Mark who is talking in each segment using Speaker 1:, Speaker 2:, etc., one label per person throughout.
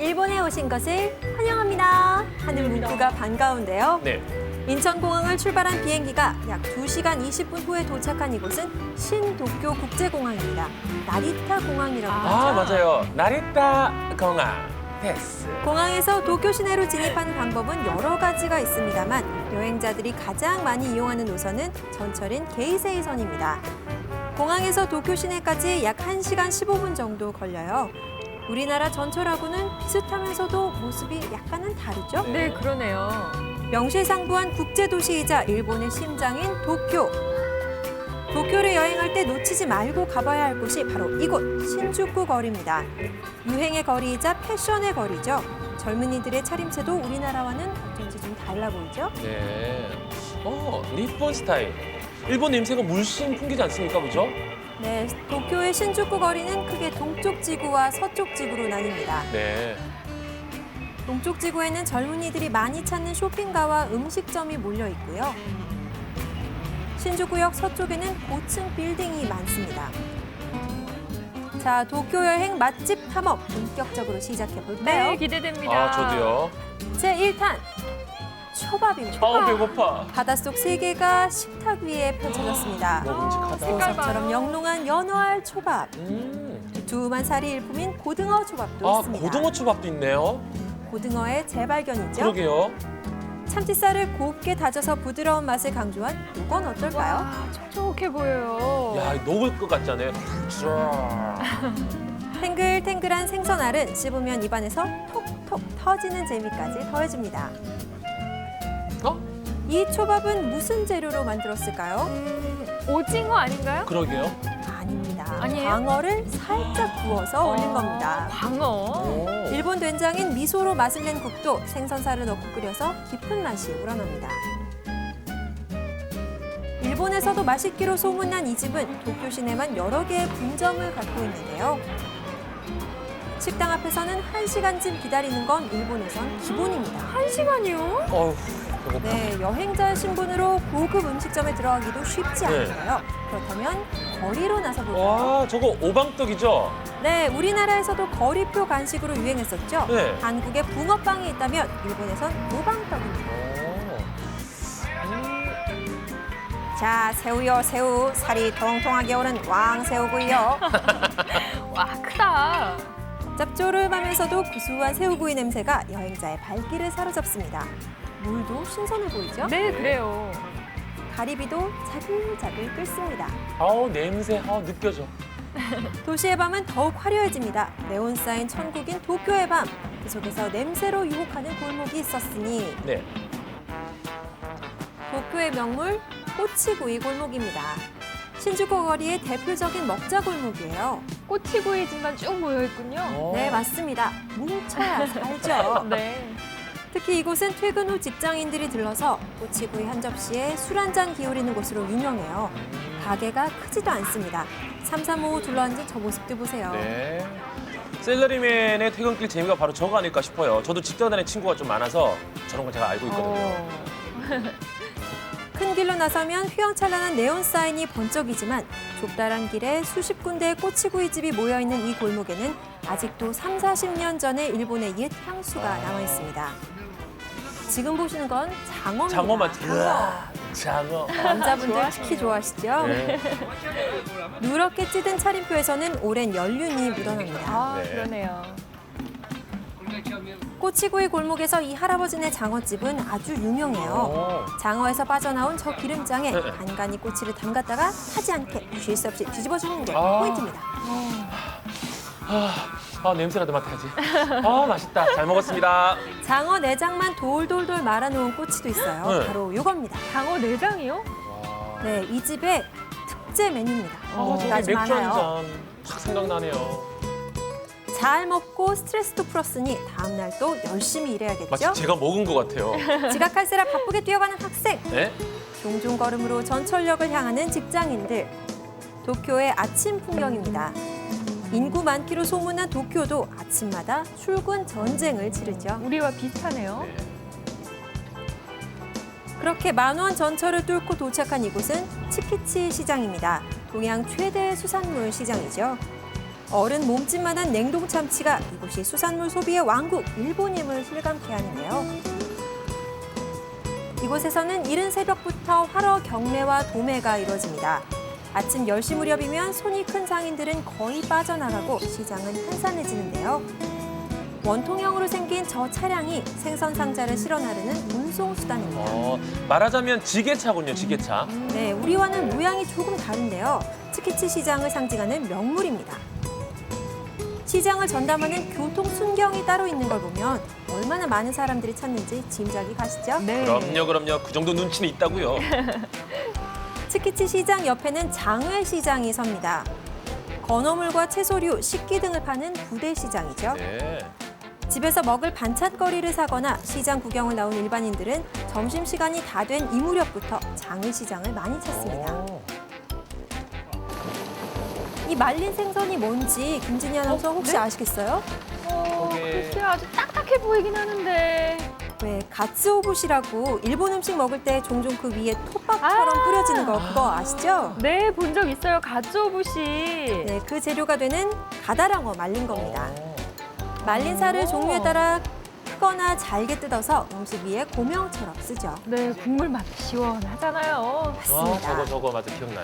Speaker 1: 일본에 오신 것을 환영합니다 하는 문구가 반가운데요.
Speaker 2: 네.
Speaker 1: 인천공항을 출발한 비행기가 약 2시간 20분 후에 도착한 이곳은 신도쿄 국제공항입니다. 나리타 공항이라고 하죠.
Speaker 2: 아, 맞아요. 나리타 공항. 됐어.
Speaker 1: 공항에서 도쿄 시내로 진입하는 방법은 여러 가지가 있습니다만 여행자들이 가장 많이 이용하는 노선은 전철인 게이세이선입니다. 공항에서 도쿄 시내까지 약 1시간 15분 정도 걸려요. 우리나라 전철하고는 비슷하면서도 모습이 약간은 다르죠?
Speaker 3: 네, 그러네요.
Speaker 1: 명실상부한 국제도시이자 일본의 심장인 도쿄. 도쿄를 여행할 때 놓치지 말고 가봐야 할 곳이 바로 이곳 신주쿠 거리입니다. 유행의 거리이자 패션의 거리죠. 젊은이들의 차림새도 우리나라와는 어쩐지 좀 달라 보이죠?
Speaker 2: 네. 니폰 스타일. 일본 냄새가 물씬 풍기지 않습니까, 그죠?
Speaker 1: 네, 도쿄의 신주쿠 거리는 크게 동쪽 지구와 서쪽 지구로 나뉩니다.
Speaker 2: 네.
Speaker 1: 동쪽 지구에는 젊은이들이 많이 찾는 쇼핑가와 음식점이 몰려 있고요. 신주쿠역 서쪽에는 고층 빌딩이 많습니다. 자, 도쿄 여행 맛집 탐험 본격적으로 시작해 볼까요?
Speaker 3: 네, 기대됩니다.
Speaker 2: 아, 저도요.
Speaker 1: 제 1탄 초밥입니다.
Speaker 2: 아우, 배고파.
Speaker 1: 바닷속 세계가 식탁 위에 펼쳐졌습니다.
Speaker 2: 먹음직하다.
Speaker 3: 색깔
Speaker 1: 보석처럼
Speaker 3: 봐요.
Speaker 1: 영롱한 연어알 초밥,
Speaker 2: 음.
Speaker 1: 두툼한 살이 일품인 고등어 초밥도
Speaker 2: 아,
Speaker 1: 있습니다.
Speaker 2: 고등어 초밥도 있네요.
Speaker 1: 고등어의 재발견이죠.
Speaker 2: 그러게요.
Speaker 1: 참치살을 곱게 다져서 부드러운 맛을 강조한 이건 어떨까요?
Speaker 3: 와, 촉촉해 보여요.
Speaker 2: 야, 녹을 것 같잖아요.
Speaker 1: 탱글탱글한 생선알은 씹으면 입안에서 톡톡 터지는 재미까지 더해줍니다.
Speaker 2: 어?
Speaker 1: 이 초밥은 무슨 재료로 만들었을까요?
Speaker 3: 오징어 아닌가요?
Speaker 2: 그러게요.
Speaker 1: 아닙니다.
Speaker 3: 아니에요?
Speaker 1: 광어를 살짝 구워서 올린 겁니다.
Speaker 3: 광어.
Speaker 2: 오.
Speaker 1: 일본 된장인 미소로 맛을 낸 국도 생선살을 넣고 끓여서 깊은 맛이 우러납니다. 일본에서도 맛있기로 소문난 이 집은 도쿄 시내만 여러 개의 분점을 갖고 있는데요. 식당 앞에서는 1시간쯤 기다리는 건 일본에선 기본입니다.
Speaker 3: 1시간이요?
Speaker 2: 어휴, 배고파.
Speaker 1: 네, 여행자 신분으로 고급 음식점에 들어가기도 쉽지
Speaker 2: 네.
Speaker 1: 않은데요. 그렇다면 거리로 나서 볼까요?
Speaker 2: 와, 저거 오방떡이죠?
Speaker 1: 네, 우리나라에서도 거리표 간식으로 유행했었죠.
Speaker 2: 네.
Speaker 1: 한국에 붕어빵이 있다면 일본에선 모방떡입니다. 자, 새우요, 새우. 살이 통통하게 오른 왕새우구이요.
Speaker 3: 와, 크다.
Speaker 1: 짭조름하면서도 구수한 새우구이 냄새가 여행자의 발길을 사로잡습니다. 물도 신선해 보이죠?
Speaker 3: 네, 그래요.
Speaker 1: 가리비도 자글자글 끓습니다.
Speaker 2: 아우, 냄새, 느껴져.
Speaker 1: 도시의 밤은 더욱 화려해집니다. 네온 사인 천국인 도쿄의 밤. 그 속에서 냄새로 유혹하는 골목이 있었으니
Speaker 2: 네.
Speaker 1: 도쿄의 명물 꼬치구이 골목입니다. 신주쿠 거리의 대표적인 먹자 골목이에요.
Speaker 3: 꼬치구이 집만 쭉 모여 있군요.
Speaker 1: 네, 맞습니다. 뭉쳐야 살죠.
Speaker 3: 네.
Speaker 1: 특히 이곳은 퇴근 후 직장인들이 들러서 꼬치구이 한 접시에 술 한 잔 기울이는 곳으로 유명해요. 가게가 크지도 않습니다. 삼삼오오 둘러앉은 저 모습들 보세요.
Speaker 2: 네. 셀러리맨의 퇴근길 재미가 바로 저거 아닐까 싶어요. 저도 직장 다니는 친구가 좀 많아서 저런 걸 제가 알고 있거든요.
Speaker 1: 큰 길로 나서면 휘황찬란한 네온 사인이 번쩍이지만 좁다란 길에 수십 군데의 꼬치구이집이 모여있는 이 골목에는 아직도 3, 40년 전의 일본의 옛 향수가 남아있습니다. 지금 보시는 건 장어입니다.
Speaker 2: 장어만, 장어.
Speaker 1: 남자분들 특히 좋아하시죠?
Speaker 2: 네.
Speaker 1: 누렇게 찌든 차림표에서는 오랜 연륜이 묻어납니다.
Speaker 3: 아,
Speaker 2: 네.
Speaker 3: 그러네요.
Speaker 1: 꼬치구이 골목에서 이 할아버지네 장어집은 아주 유명해요.
Speaker 2: 오.
Speaker 1: 장어에서 빠져나온 저 기름장에
Speaker 2: 네.
Speaker 1: 간간히 꼬치를 담갔다가 타지 않게 쉴 새 없이 뒤집어주는 게
Speaker 2: 아.
Speaker 1: 포인트입니다.
Speaker 2: 냄새라도 맡아야지. 맛있다. 잘 먹었습니다.
Speaker 1: 장어 내장만 돌돌돌 말아놓은 꼬치도 있어요.
Speaker 2: 네.
Speaker 1: 바로 이겁니다.
Speaker 3: 장어 내장이요?
Speaker 2: 와.
Speaker 1: 네, 이 집의 특제 메뉴입니다.
Speaker 2: 저기
Speaker 1: 아주
Speaker 2: 맥주 한
Speaker 1: 많아요.
Speaker 2: 잔 탁 생각나네요.
Speaker 1: 잘 먹고 스트레스도 풀었으니 다음날 또 열심히 일해야겠죠?
Speaker 2: 마치 제가 먹은 것 같아요.
Speaker 1: 지각할세라 바쁘게 뛰어가는 학생,
Speaker 2: 네?
Speaker 1: 종종 걸음으로 전철역을 향하는 직장인들. 도쿄의 아침 풍경입니다. 인구 많기로 소문난 도쿄도 아침마다 출근 전쟁을 치르죠.
Speaker 3: 우리와 비슷하네요.
Speaker 2: 네.
Speaker 1: 그렇게 만원 전철을 뚫고 도착한 이곳은 치키치 시장입니다. 동양 최대 수산물 시장이죠. 어른 몸집만한 냉동 참치가 이곳이 수산물 소비의 왕국 일본임을 실감케 하는데요. 이곳에서는 이른 새벽부터 활어 경매와 도매가 이루어집니다. 아침 10시 무렵이면 손이 큰 상인들은 거의 빠져나가고 시장은 한산해지는데요. 원통형으로 생긴 저 차량이 생선 상자를 실어 나르는 운송 수단입니다.
Speaker 2: 말하자면 지게차군요, 지게차.
Speaker 1: 네, 우리와는 모양이 조금 다른데요. 츠키치 시장을 상징하는 명물입니다. 시장을 전담하는 교통 순경이 따로 있는 걸 보면 얼마나 많은 사람들이 찾는지 짐작이 가시죠?
Speaker 3: 네.
Speaker 2: 그럼요. 그 정도 눈치는 있다고요.
Speaker 1: 츠키치 시장 옆에는 장외 시장이 섭니다. 건어물과 채소류, 식기 등을 파는 부대 시장이죠.
Speaker 2: 네.
Speaker 1: 집에서 먹을 반찬거리를 사거나 시장 구경을 나온 일반인들은 점심시간이 다 된 이 무렵부터 장외 시장을 많이 찾습니다. 이 말린 생선이 뭔지 김진희 아나운서 혹시
Speaker 3: 네?
Speaker 1: 아시겠어요?
Speaker 3: 글쎄요, 아주 딱딱해 보이긴 하는데.
Speaker 1: 왜 가츠오부시라고 일본 음식 먹을 때 종종 그 위에 톱밥처럼 뿌려지는 거 그거 아시죠?
Speaker 3: 네, 본 적 있어요. 가츠오부시.
Speaker 1: 네, 그 재료가 되는 가다랑어 말린 겁니다. 말린 살을 종류에 따라 크거나 잘게 뜯어서 음식 위에 고명처럼 쓰죠.
Speaker 3: 네, 국물 맛 시원하잖아요.
Speaker 1: 맞습니다.
Speaker 2: 저거 맞아 기억나요.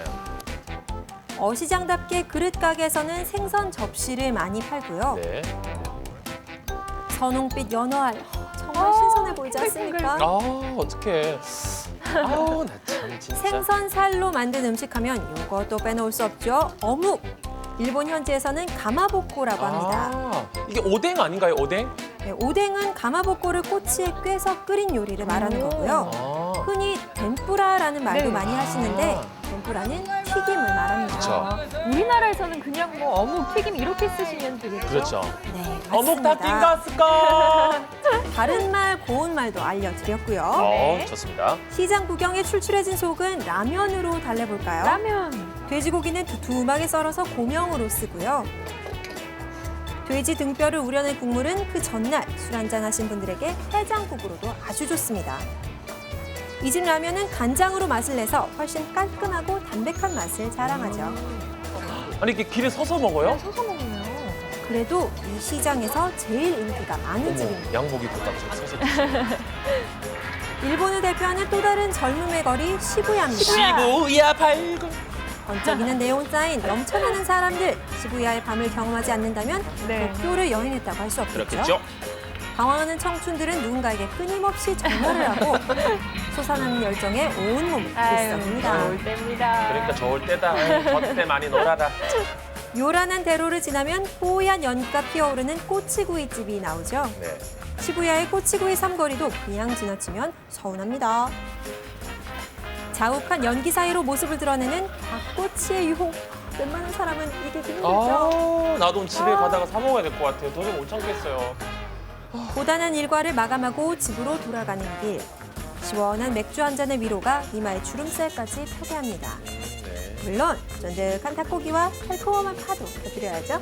Speaker 1: 어시장답게 그릇 가게에서는 생선 접시를 많이 팔고요.
Speaker 2: 네.
Speaker 1: 선홍빛 연어알 정말 신선해 보이지 않습니까?
Speaker 2: 어떡해. 나 참 진짜.
Speaker 1: 생선살로 만든 음식하면 이것도 빼놓을 수 없죠. 어묵. 일본 현지에서는 가마보코라고 합니다.
Speaker 2: 이게 오뎅 아닌가요, 오뎅?
Speaker 1: 네, 오뎅은 가마보코를 꼬치에 꿰서 끓인 요리를 말하는 거고요. 흔히 덴뿌라라는 말도
Speaker 3: 네.
Speaker 1: 많이 하시는데 덴뿌라는 튀김을 말합니다.
Speaker 2: 그렇죠.
Speaker 3: 우리나라에서는 그냥 뭐 어묵 튀김 이렇게 쓰시면 되겠죠?
Speaker 2: 그렇죠.
Speaker 1: 네,
Speaker 2: 어묵 다
Speaker 1: 맞습니다.
Speaker 2: 띵갔을까?
Speaker 1: 다른 말, 고운 말도 알려드렸고요.
Speaker 3: 네.
Speaker 2: 좋습니다.
Speaker 1: 시장 구경에 출출해진 속은 라면으로 달래볼까요?
Speaker 3: 라면.
Speaker 1: 돼지고기는 두툼하게 썰어서 고명으로 쓰고요. 돼지 등뼈를 우려낸 국물은 그 전날 술 한잔 하신 분들에게 해장국으로도 아주 좋습니다. 이 집 라면은 간장으로 맛을 내서 훨씬 깔끔하고 담백한 맛을 자랑하죠.
Speaker 2: 아니 이게 길에 서서 먹어요?
Speaker 3: 서서 먹네요.
Speaker 1: 그래도 이 시장에서 제일 인기가 많은 집입니다.
Speaker 2: 양복 입고 딱 서서 드시네.
Speaker 1: 일본을 대표하는 또 다른 젊음의 거리 시부야입니다.
Speaker 2: 시부야 발굴.
Speaker 1: 번쩍이는 네온 사인, 넘쳐나는 사람들. 시부야의 밤을 경험하지 않는다면
Speaker 3: 네.
Speaker 1: 도쿄를 여행했다고 할 수 없겠죠.
Speaker 2: 그렇겠죠?
Speaker 1: 방황하는 청춘들은 누군가에게 끊임없이 전화를 하고 솟아나는 열정에 온몸을 들썩입니다.
Speaker 3: 좋을 때입니다.
Speaker 2: 그러니까 좋을 때다. 저때 많이 놀아라.
Speaker 1: 요란한 대로를 지나면 뽀얀 연기가 피어오르는 꼬치구이집이 나오죠.
Speaker 2: 네.
Speaker 1: 시부야의 꼬치구이 삼거리도 그냥 지나치면 서운합니다. 자욱한 연기 사이로 모습을 드러내는 닭꼬치의 유혹. 웬만한 사람은 이게 힘들죠.
Speaker 2: 나도 집에 가다가 사 먹어야 될 것 같아요. 도저히 못 참겠어요.
Speaker 1: 고단한 일과를 마감하고 집으로 돌아가는 길. 시원한 맥주 한 잔의 위로가 이마에 주름살까지 펴게 합니다.
Speaker 2: 네.
Speaker 1: 물론 쫀득한 닭고기와 달콤한 파도 곁들여야죠.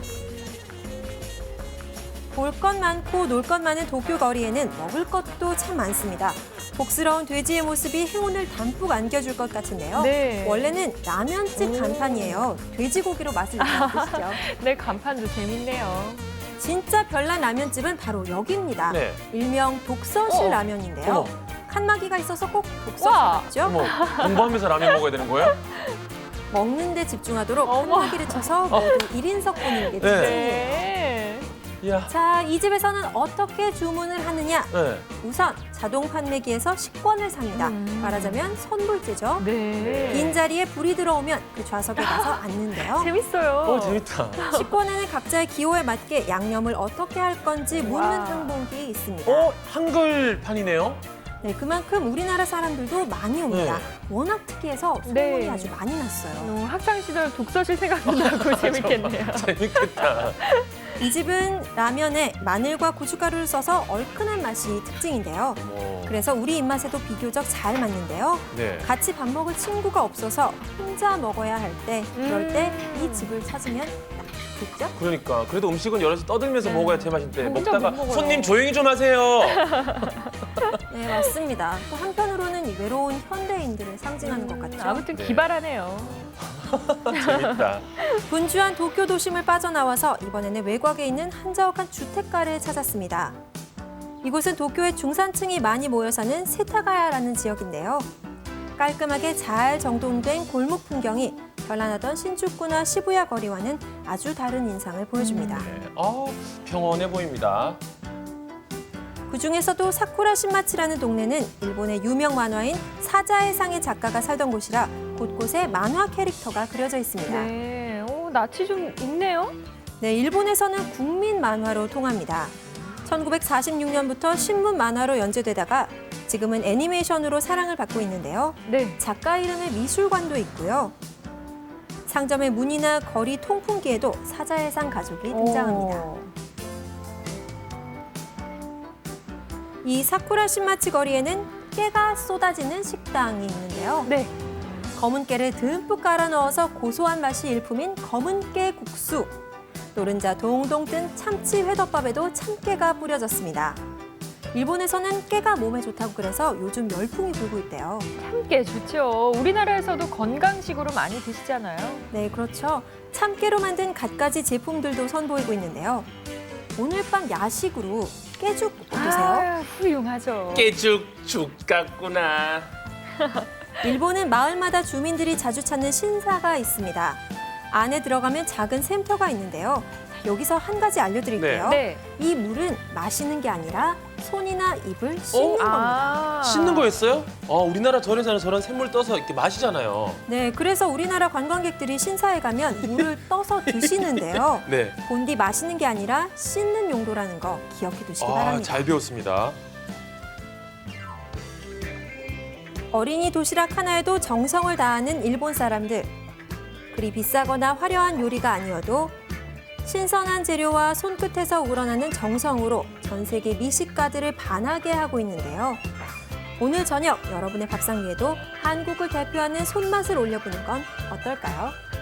Speaker 1: 볼 것 많고 놀 것 많은 도쿄 거리에는 먹을 것도 참 많습니다. 복스러운 돼지의 모습이 행운을 담뿍 안겨줄 것 같은데요.
Speaker 3: 네.
Speaker 1: 원래는 라면집 간판이에요. 돼지고기로 맛을 느끼시죠.
Speaker 3: 네, 간판도 재밌네요.
Speaker 1: 진짜 별난 라면집은 바로 여기입니다.
Speaker 2: 네.
Speaker 1: 일명 독서실 라면인데요.
Speaker 2: 어머.
Speaker 1: 칸막이가 있어서 꼭 독서실
Speaker 3: 와.
Speaker 1: 같죠?
Speaker 2: 어머, 공부하면서 라면 먹어야 되는 거예요?
Speaker 1: 먹는 데 집중하도록
Speaker 3: 어머.
Speaker 1: 칸막이를 쳐서 모두 1인석 분인 게
Speaker 2: 네.
Speaker 1: 특징이에요.
Speaker 3: 네.
Speaker 2: 이야.
Speaker 1: 자, 이 집에서는 어떻게 주문을 하느냐?
Speaker 2: 네.
Speaker 1: 우선 자동 판매기에서 식권을 삽니다. 말하자면 선불제죠.
Speaker 3: 네.
Speaker 1: 빈자리에 불이 들어오면 그 좌석에 가서 앉는데요.
Speaker 3: 재밌어요.
Speaker 2: 재밌다.
Speaker 1: 식권에는 각자의 기호에 맞게 양념을 어떻게 할 건지 묻는
Speaker 3: 와.
Speaker 1: 항목이 있습니다.
Speaker 2: 한글판이네요?
Speaker 1: 네, 그만큼 우리나라 사람들도 많이 옵니다.
Speaker 2: 네.
Speaker 1: 워낙 특이해서 소문이
Speaker 3: 네.
Speaker 1: 아주 많이 났어요.
Speaker 3: 학창 시절 독서실 생각도 나고 재밌겠네요.
Speaker 2: 재밌겠다.
Speaker 1: 이 집은 라면에 마늘과 고춧가루를 써서 얼큰한 맛이 특징인데요. 그래서 우리 입맛에도 비교적 잘 맞는데요.
Speaker 2: 네.
Speaker 1: 같이 밥 먹을 친구가 없어서 혼자 먹어야 할 때, 그럴 때 이 집을 찾으면 딱 좋죠?
Speaker 2: 그러니까 그래도 음식은 여럿이 떠들면서 먹어야 제맛인데
Speaker 3: 혼자
Speaker 2: 먹다가
Speaker 3: 못 먹어요.
Speaker 2: 손님 조용히 좀 하세요.
Speaker 1: 네, 맞습니다. 또 한편으로는 이 외로운 현대인들을 상징하는 것 같죠?
Speaker 3: 아무튼
Speaker 2: 네.
Speaker 3: 기발하네요.
Speaker 2: 재밌다.
Speaker 1: 분주한 도쿄 도심을 빠져나와서 이번에는 외곽에 있는 한적한 주택가를 찾았습니다. 이곳은 도쿄의 중산층이 많이 모여 사는 세타가야라는 지역인데요. 깔끔하게 잘 정돈된 골목 풍경이 별난하던 신주쿠나 시부야 거리와는 아주 다른 인상을 보여줍니다.
Speaker 2: 네. 평온해 보입니다.
Speaker 1: 그중에서도 사쿠라 신마치라는 동네는 일본의 유명 만화인 사자의 상의 작가가 살던 곳이라 곳곳에 만화 캐릭터가 그려져 있습니다.
Speaker 3: 네, 낯이 좀 있네요.
Speaker 1: 네, 일본에서는 국민 만화로 통합니다. 1946년부터 신문 만화로 연재되다가 지금은 애니메이션으로 사랑을 받고 있는데요.
Speaker 3: 네.
Speaker 1: 작가 이름의 미술관도 있고요. 상점의 문이나 거리 통풍기에도 사자의 상 가족이 등장합니다. 이 사쿠라 신마치 거리에는 깨가 쏟아지는 식당이 있는데요.
Speaker 3: 네.
Speaker 1: 검은 깨를 듬뿍 깔아 넣어서 고소한 맛이 일품인 검은 깨 국수. 노른자 동동 뜬 참치 회덮밥에도 참깨가 뿌려졌습니다. 일본에서는 깨가 몸에 좋다고 그래서 요즘 열풍이 불고 있대요.
Speaker 3: 참깨 좋죠. 우리나라에서도 건강식으로 많이 드시잖아요.
Speaker 1: 네, 그렇죠. 참깨로 만든 갖가지 제품들도 선보이고 있는데요. 오늘 밤 야식으로 깨죽 어떠세요?
Speaker 3: 훌륭하죠.
Speaker 2: 깨죽죽 같구나.
Speaker 1: 일본은 마을마다 주민들이 자주 찾는 신사가 있습니다. 안에 들어가면 작은 샘터가 있는데요. 여기서 한 가지 알려드릴게요.
Speaker 3: 네.
Speaker 1: 이 물은 마시는 게 아니라 손이나 입을 씻는 겁니다.
Speaker 2: 씻는 거였어요? 우리나라 절에서는 저런 샘물 떠서 이렇게 마시잖아요.
Speaker 1: 네, 그래서 우리나라 관광객들이 신사에 가면 물을 떠서 드시는데요.
Speaker 2: 네.
Speaker 1: 본디 마시는 게 아니라 씻는 용도라는 거 기억해 두시기 바랍니다.
Speaker 2: 잘 배웠습니다.
Speaker 1: 어린이 도시락 하나에도 정성을 다하는 일본 사람들. 그리 비싸거나 화려한 요리가 아니어도 신선한 재료와 손끝에서 우러나는 정성으로 전 세계 미식가들을 반하게 하고 있는데요. 오늘 저녁 여러분의 밥상 위에도 한국을 대표하는 손맛을 올려보는 건 어떨까요?